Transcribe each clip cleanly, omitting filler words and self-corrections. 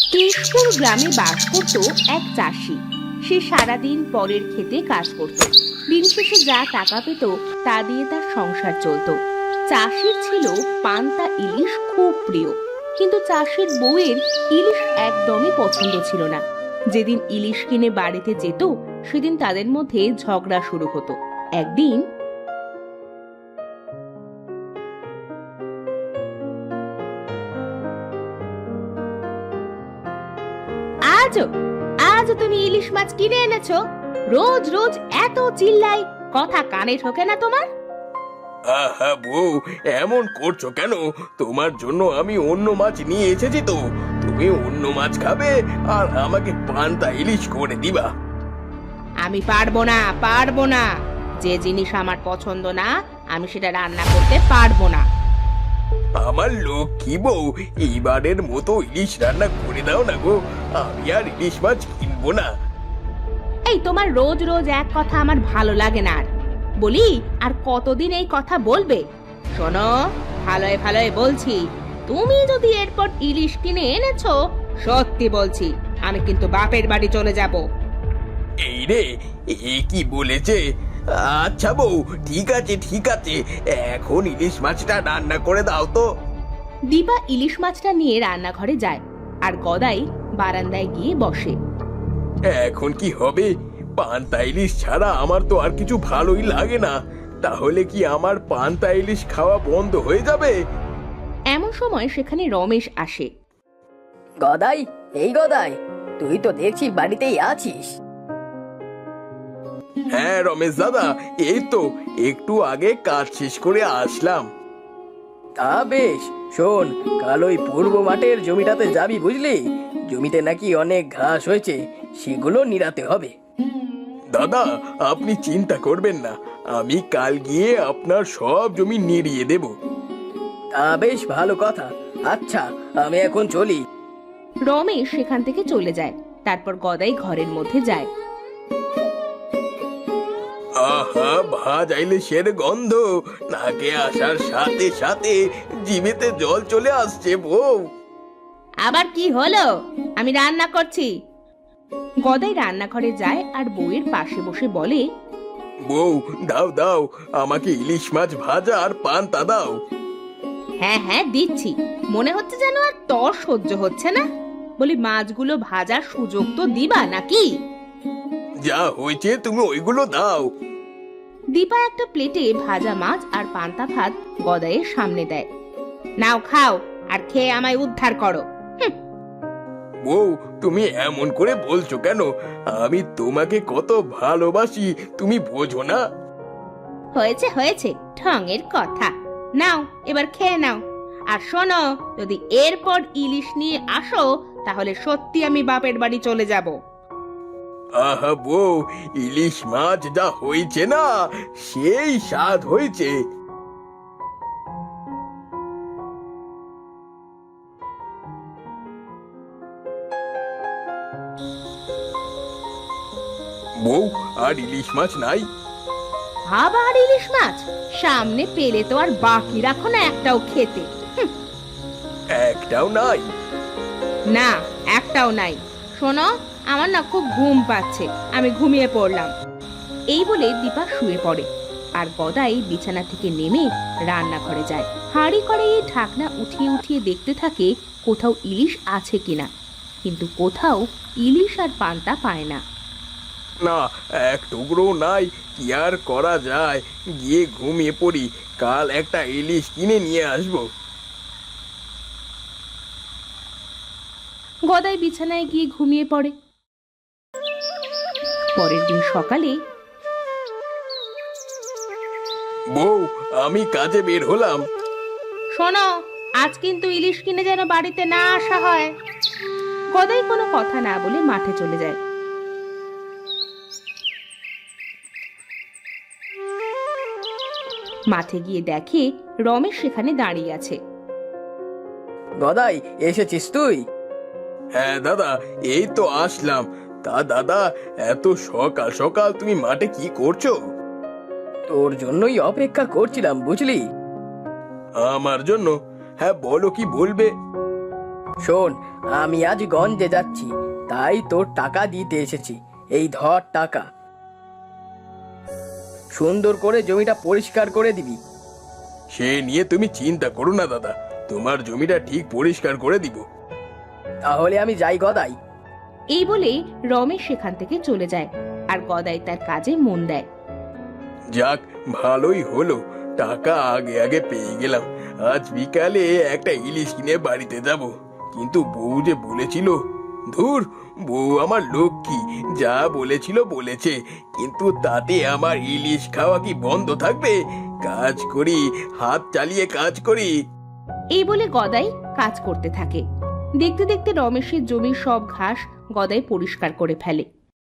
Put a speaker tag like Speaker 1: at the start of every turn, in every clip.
Speaker 1: কেশপুর গ্রামে বাস করত এক চাষি। সে সারাদিন পরের খেতে কাজ করত। দিন শেষে যা টাকা পেত তা দিয়ে তার সংসার চলত। চাষির ছিল পান্তা ইলিশ খুব প্রিয়, কিন্তু চাষির বউয়ের ইলিশ একদমই পছন্দ ছিল না। যেদিন ইলিশ কিনে বাড়িতে যেত সেদিন তাদের মধ্যে ঝগড়া শুরু হতো। একদিন আজও আজও তুমি ইলিশ মাছ কিনে এনেছো? রোজ রোজ এত চিল্লাই, কথা কানে ঢোকে না তোমার?
Speaker 2: আহা বউ, এমন করছো কেন? তোমার জন্য আমি অন্য মাছ নিয়ে এসেছি তো। তুমি অন্য মাছ খাবে আর আমাকে পান্তা ইলিশ করে দিবা।
Speaker 1: আমি পারবো না, পারবো না। যে জিনিস আমার পছন্দ না আমি সেটা রান্না করতে পারবো না।
Speaker 2: আমার লক্ষ্মী বউ, এইবারের মতো ইলিশ রান্না করে দাও না গো। আমি আর ইলিশ মাছ কিনবো না।
Speaker 1: এই তোমার রোজ রোজ এক কথা আমার ভালো লাগে না। আর বলি, আর কতদিন এই কথা বলবে? শোনো, ভালোয় ভালোয় বলছি, তুমি যদি এরপর ইলিশ কিনে এনেছো, সত্যি বলছি আমি কিন্তু বাপের বাড়ি চলে যাব।
Speaker 2: এই রে, এ কি বলেছে? আচ্ছা বউ, ঠিক আছে ঠিক আছে, এখন ইলিশ মাছটা রান্না করে দাও তো।
Speaker 1: দীপা ইলিশ মাছটা নিয়ে রান্নাঘরে যায় আর গদাই বারান্দায় গিয়ে বসে।
Speaker 2: এখন কি হবে? পান্তা ইলিশ ছাড়া আমার তো আর কিছু ভালোই লাগে না। তাহলে কি আমার পান্তা ইলিশ খাওয়া বন্ধ হয়ে যাবে?
Speaker 1: এমন সময় সেখানে রমেশ আসে।
Speaker 3: গদাই, এই গদাই, তুই তো দেখছি বাড়িতেই আছিস।
Speaker 2: হ্যাঁ রমেশ দাদা, এই তো একটু আগে কাজ শেষ করে আসলাম।
Speaker 3: তা বেশ, শোন, কাল ওই পূর্ব মাঠের জমিটাতে যাবি বুঝলি? জমিতে নাকি অনেক ঘাস হয়েছে, সেগুলো নিরাতে হবে।
Speaker 2: দাদা, আপনি চিন্তা করবেন না, আমি কাল গিয়ে আপনার সব জমি নিড়িয়ে দেব।
Speaker 3: তা বেশ ভালো কথা। আচ্ছা, আমি এখন চলি।
Speaker 1: রমেশ সেখান থেকে চলে যায়। তারপর গদাই ঘরের মধ্যে যায়।
Speaker 2: আহা, ভাজা ইলিশের গন্ধ নাকে আসার সাথে সাথে জিভেতে জল চলে আসছে বউ।
Speaker 1: আবার কি হলো? আমি রান্না করছি। গদাই রান্নাঘরে যায় আর বউয়ের পাশে বসে বলে,
Speaker 2: বউ, দাও দাও, আমাকে ইলিশ মাছ ভাজা আর পান্তা দাও।
Speaker 1: হ্যাঁ হ্যাঁ দিচ্ছি। মনে হচ্ছে যেন আর তর সহ্য হচ্ছে না। বলি, মাছগুলো ভাজার সুযোগ তো দিবা নাকি?
Speaker 2: যা হয়েছে তুমি ওইগুলো দাও।
Speaker 1: দীপা একটা প্লেটে ভাজা মাছ আর পান্তা ভাত গদাইয়ের সামনে দেয়। নাও খাও, আর খেয়ে আমায় উদ্ধার করো।
Speaker 2: বউ, তুমি এমন করে বলছো কেন? আমি তোমাকে কত ভালোবাসি, তুমি বোঝো না?
Speaker 1: হয়েছে হয়েছে, ঢঙের কথা। নাও, এবার খেয়ে নাও। আর শোনো, যদি এরপর ইলিশ নিয়ে আসো তাহলে সত্যি আমি বাপের বাড়ি চলে যাব।
Speaker 2: আহা বউ, ইলিশ মাছ যা হয়েছে না, সেই স্বাদ হয়েছে। বউ, আর ইলিশ মাছ নাই?
Speaker 1: আবার ইলিশ মাছ? সামনে পেলে তো আর বাকি রাখো না একটাও খেতে।
Speaker 2: একটাও নাই?
Speaker 1: না, একটাও নাই। শোনো, আমার না খুব ঘুম পাচ্ছে, আমি ঘুমিয়ে পড়লাম। এই বলে দীপা শুয়ে পড়ে আর গদাই বিছানা থেকে নেমে রান্নাঘরে যায়। হাঁড়ি করে এই ঢাকনা উঠিয়ে উঠিয়ে দেখতে থাকে কোথাও ইলিশ আছে কিনা, কিন্তু কোথাও ইলিশ আর পান্তা পায় না।
Speaker 2: না, এক টুকরো নাই। কি আর করা যায়, গিয়ে ঘুমিয়ে পড়ি, কাল একটা ইলিশ কিনে নিয়ে আসবো।
Speaker 1: গদাই বিছানায় গিয়ে ঘুমিয়ে পড়ে। পরের দিন সকালে,
Speaker 2: বউ, আমি কাজে বের হলাম।
Speaker 1: শোনো, আজ কিন্তু ইলিশ কিনে যেন বাড়িতে না আসা হয়। গদাই কোনো কথা না বলে মাঠে চলে যায়। মাঠে গিয়ে দেখে রমেশ সেখানে দাঁড়িয়ে আছে।
Speaker 3: গদাই, এসেছিস তুই?
Speaker 2: হ্যাঁ দাদা, এই তো আসলাম। তা দাদা, এত সকাল সকাল তুমি মাঠে কি করছো?
Speaker 3: তোর জন্যই অপেক্ষা করছিলাম বুঝলি।
Speaker 2: আমার জন্য? হ্যাঁ বলো, কি বলবে?
Speaker 3: শোন, আমি আজ গঞ্জে যাচ্ছি, তাই তোর টাকা দিতে এসেছি। এই ধর টাকা। সুন্দর করে জমিটা পরিষ্কার করে দিবি।
Speaker 2: সে নিয়ে তুমি চিন্তা করো না দাদা, তোমার জমিটা ঠিক পরিষ্কার করে দিব।
Speaker 3: তাহলে আমি যাই গদাই।
Speaker 1: এই বলে রমেশ সেখান থেকে চলে যায় আর গদাই তার কাজে মন দেয়।
Speaker 2: যাক, ভালোই হলো, টাকা আগে আগে পেয়ে গেলাম। আজ বিকালে একটা ইলিশ কিনে বাড়িতে যাব। কিন্তু বউ যে বলেছিল, ধুর, বউ আমার লক্ষ্মী, যা বলেছিল বলেছে, কিন্তু তাতে আমার ইলিশ খাওয়া কি বন্ধ থাকবে? কাজ করি, হাত চালিয়ে কাজ করি।
Speaker 1: এই বলে গদাই কাজ করতে থাকে। দেখতে দেখতে রমেশের জমির সব ঘাস গদাই পরিষ্কার করে ফেলে।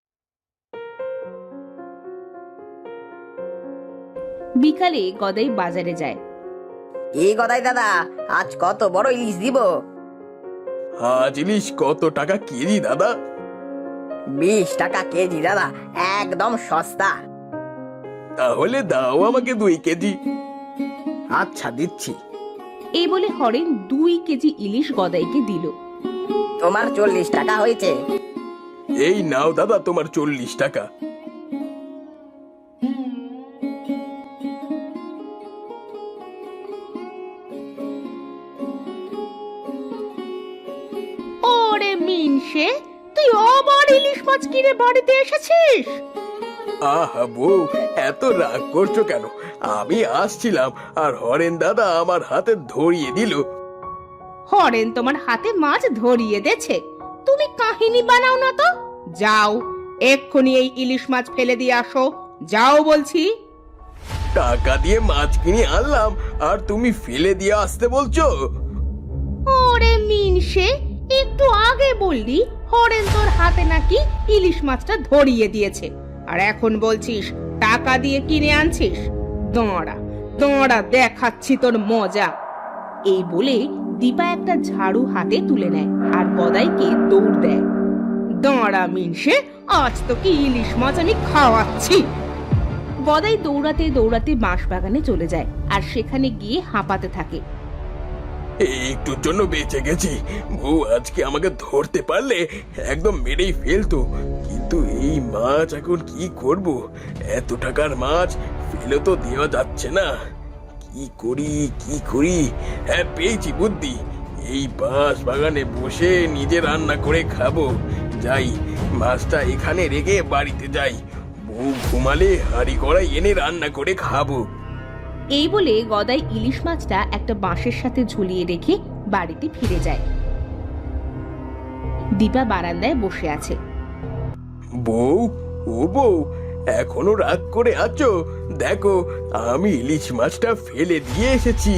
Speaker 1: বিকালে গদাই বাজারে যায়।
Speaker 4: এই গদাই দাদা, আজ কত বড় ইলিশ দিব?
Speaker 2: আজ ইলিশ কত টাকা কেজি দাদা?
Speaker 4: 20 টাকা কেজি দাদা, একদম সস্তা।
Speaker 2: তাহলে দাও আমাকে 2 কেজি।
Speaker 3: আচ্ছা, দিচ্ছি।
Speaker 1: এই বলে হরেন 2 কেজি ইলিশ গদাইকে দিল।
Speaker 4: তোমার 40 টাকা হয়েছে।
Speaker 2: এই নাও দাদা তোমার 40 টাকা।
Speaker 1: ওরে মিনসে, তুই আবার ইলিশ মাছ কিনে বাড়িতে এসেছিস?
Speaker 2: আহা বউ, এত রাগ করছো কেন? আমি আসছিলাম আর হরেন দাদা আমার হাতে ধরিয়ে দিল।
Speaker 1: হরেন তোমার হাতে মাছ ধরিয়ে দেছে? তুমি কাহিনী বানাও না তো। যাও, এক্ষুনি এই ইলিশ মাছ ফেলে দিয়ে আসো। যাও বলছি।
Speaker 2: টাকা দিয়ে মাছ কিনে আনলাম আর তুমি ফেলে দিয়ে আসতে বলছো?
Speaker 1: ওরে মিনসে, একটু আগে বললি হরেন তোর হাতে নাকি ইলিশ মাছটা ধরিয়ে দিয়েছে, আর এখন বলছিস টাকা দিয়ে কিনে আনছিস। দাঁড়া দাঁড়া, দেখাচ্ছি তোর মজা। এই বলে দীপা একটা ঝাড়ু হাতে তুলে নেয় আর গদাইকে দৌড় দেয়। দাঁড়া মিনসে, আজ তো কি ইলিশ মাছ আমি খাওয়াচ্ছি। গদাই দৌড়াতে দৌড়াতে বাঁশবাগানে চলে যায় আর সেখানে গিয়ে হাঁপাতে থাকে।
Speaker 2: একটুর জন্য বেঁচে গেছি। বউ আজকে আমাকে ধরতে পারলে একদম মেরেই ফেলতো, কিন্তু এই মাছ এখন কি করব? এত টাকার মাছ ফেলে তো দেওয়া যাচ্ছে না। কি করি কি করি? হ্যাঁ, পেয়েছি বুদ্ধি। এই বাঁশ বাগানে বসে নিজে রান্না করে খাবো। যাই, মাছটা এখানে রেখে বাড়িতে যাই। বউ ঘুমালে হাঁড়ি কড়াই এনে রান্না করে খাবো।
Speaker 1: এই বলে গদাই ইলিশ মাছটা একটা বাঁশের সাথে ঝুলিয়ে রেখে বাড়িতে ফিরে যায়। দীপা বারান্দায় বসে আছে।
Speaker 2: বউ, ও বউ, এখনো রাগ করে আছো? দেখো, আমি ইলিশ মাছটা ফেলে দিয়ে এসেছি।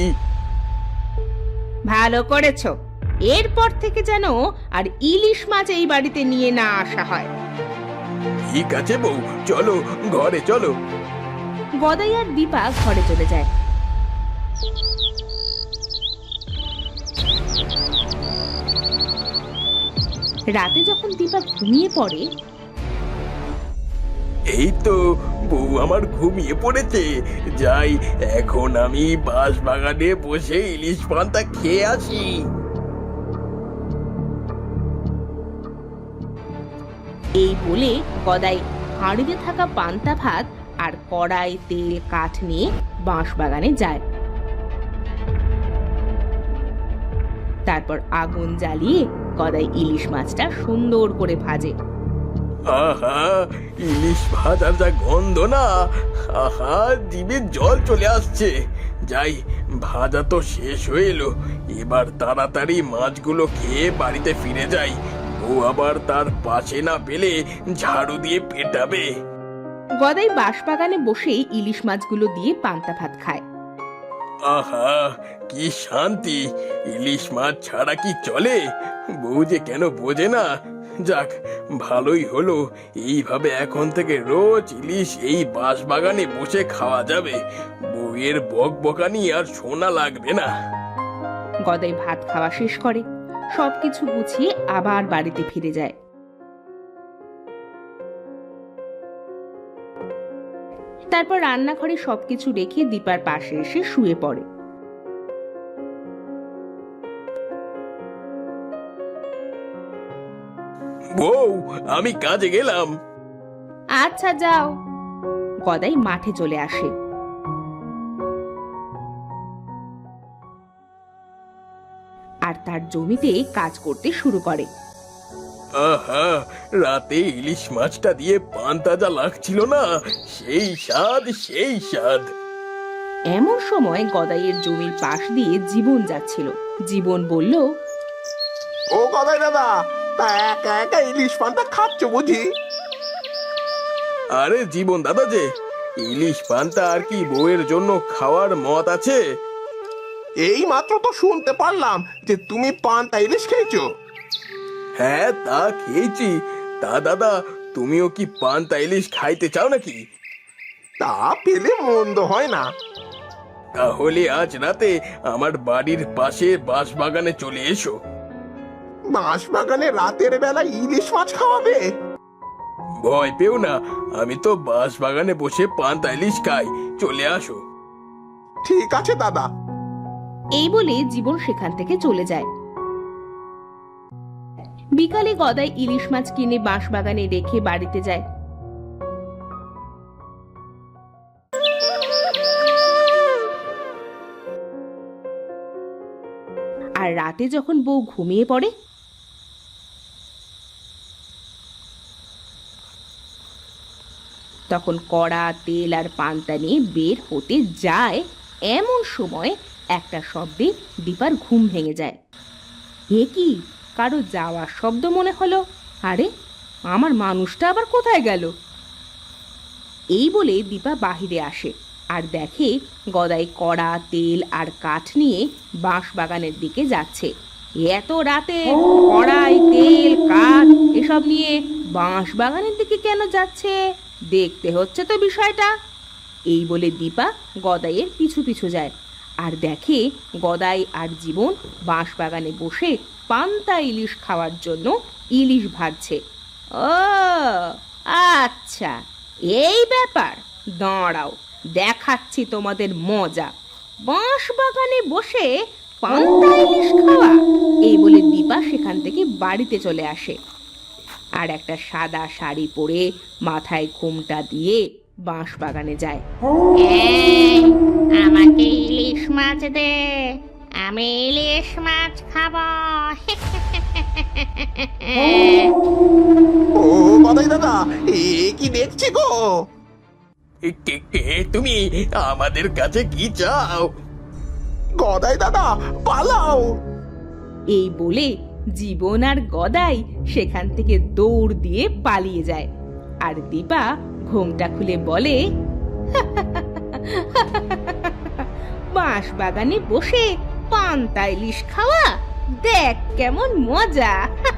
Speaker 1: ভালো করেছো। এরপর থেকে যেন আর ইলিশ মাছ এই বাড়িতে নিয়ে না আসা হয়।
Speaker 2: ঠিক আছে বউ, চলো ঘরে চলো।
Speaker 1: গদাই আর দীপা ঘরে চলে যায়। রাতে যখন দীপা ঘুমিয়ে পড়ে,
Speaker 2: এই তো বউ আমার ঘুমিয়ে পড়েছে। যাই, এখন আমি বাঁশ বাগানে বসে ইলিশ পান্তা খেয়ে আসি।
Speaker 1: এই বলে গদাই হাঁড়িতে থাকা পান্তা ভাত আর কড়াই, তেল, কাঠ নিয়ে বাঁশবাগানে যায়। তারপর আগুন জ্বালিয়ে গদাই ইলিশ মাছটা সুন্দর করে ভাজে।
Speaker 2: আহা, ইলিশ ভাজার যা গন্ধ না! আহা, জিভে জল চলে আসছে। যাই, ভাজা তো শেষ হয়ে এলো। এবার তাড়াতাড়ি মাছগুলো খেয়ে বাড়িতে ফিরে যাই। ও আবার তার পাশে না পেলে ঝাড়ু দিয়ে পেটাবে।
Speaker 1: গদাই বাঁশবাগানে বসেই ইলিশ মাছগুলো দিয়ে পান্তা ভাত খায়।
Speaker 2: আহা, কি শান্তি! ইলিশ মাছ ছাড়া কি চলে? বউ যে কেন বোঝে না। যাক, ভালোই হলো। এইভাবে এখন থেকে রোজ ইলিশ এই বাঁশবাগানে বসে খাওয়া যাবে। বউয়ের বকবকানি আর শোনা লাগবে না।
Speaker 1: গদাই ভাত খাওয়া শেষ করে সবকিছু গুছিয়ে আবার বাড়িতে ফিরে যায়। তারপর রান্নাঘরে সবকিছু রেখে দীপার পাশে এসে শুয়ে পড়ে।
Speaker 2: বউ, আমি কাজে গেলাম।
Speaker 1: আচ্ছা যাও। গদাই মাঠে চলে আসে। আর তার জমিতে কাজ করতে শুরু করে।
Speaker 2: আহা, রাতে ইলিশ মাছটা দিয়ে পান্তাজা লাগছিল না, সেই স্বাদ সেই স্বাদ।
Speaker 1: এমন সময় গদাইয়ের জমির পাশ দিয়ে জীবন যাচ্ছিল। জীবন বলল,
Speaker 5: ও গদাই দাদা, তা একা একা ইলিশ পান্তা খাচ্ছ বুঝি?
Speaker 2: আরে জীবন দাদা যে, ইলিশ পান্তা আর কি বউয়ের জন্য খাওয়ার মত আছে?
Speaker 5: এই মাত্র তো শুনতে পারলাম যে তুমি পান্তা ইলিশ খেয়েছো।
Speaker 2: হ্যাঁ, তা খেয়েছি। তা দাদা, তুমিও কি পান্তা ইলিশ খাইতে চাও নাকি?
Speaker 5: তা পেলে মন্দ হয় না।
Speaker 2: তাহলে আজ রাতে আমার বাড়ির পাশে বাঁশবাগানে চলে এসো।
Speaker 5: বাঁশ বাগানে রাতের বেলা ইলিশ মাছ খাওয়াবে?
Speaker 2: ভয় পেও না, আমি তো বাঁশবাগানে বসে পান্তা ইলিশ খাই, চলে আসো।
Speaker 5: ঠিক আছে দাদা।
Speaker 1: এই বলে জীবন সেখান থেকে চলে যায়। বিকালে গদাই ইলিশ মাছ কিনে বাঁশবাগানে রেখে বাড়িতে যায়। আর রাতে যখন বউ ঘুমিয়ে পড়ে, তখন কড়া তেল আর পান্তা নিয়ে বের হতে যায়। এমন সময় একটা শব্দে দীপার ঘুম ভেঙে যায়। এ কি, কারো যাওয়ার শব্দ মনে হলো। আরে, আমার মানুষটা আবার কোথায় গেল? এই বলে দীপা বাহিরে আসে আর দেখে গদাই কড়া তেল আর কাঠ নিয়ে বাঁশবাগানের দিকে যাচ্ছে। এত রাতে কড়াই তেল কাঠ এসব নিয়ে বাঁশবাগানের দিকে কেন যাচ্ছে, দেখতে হচ্ছে তো বিষয়টা। এই বলে দীপা গদাইয়ের পিছু পিছু যায় আর দেখে গদাই আর জীবন বাঁশবাগানে বসে পান্তা ইলিশ খাওয়ার জন্য ইলিশ ভাজছে। ও আচ্ছা, এই ব্যাপার, দাঁড়াও দেখাচ্ছি তোমাদের মজা। বাঁশবাগানে বসে পান্তা ইলিশ খাওয়া। এই বলে দীপা সেখান থেকে বাড়িতে চলে আসে আর একটা সাদা শাড়ি পরে মাথায় ঘোমটা দিয়ে বাঁশবাগানে যায়। আমাকে ইলিশ মাছ দে, আমি ইলিশ মাছ খাবো।
Speaker 5: ও গদাই দাদা, এ কি দেখছি গো?
Speaker 2: কে তুমি? আমাদের কাছে কি চাও?
Speaker 5: গদাই দাদা, পালাও!
Speaker 1: এই বলে জীবন আর গদাই সেখান থেকে দৌড় দিয়ে পালিয়ে যায়। আর দীপা ঘোমটা খুলে বলে, বাঁশবাগানে বসে পান্তা ইলিশ খাওয়া, দেখ কেমন মজা।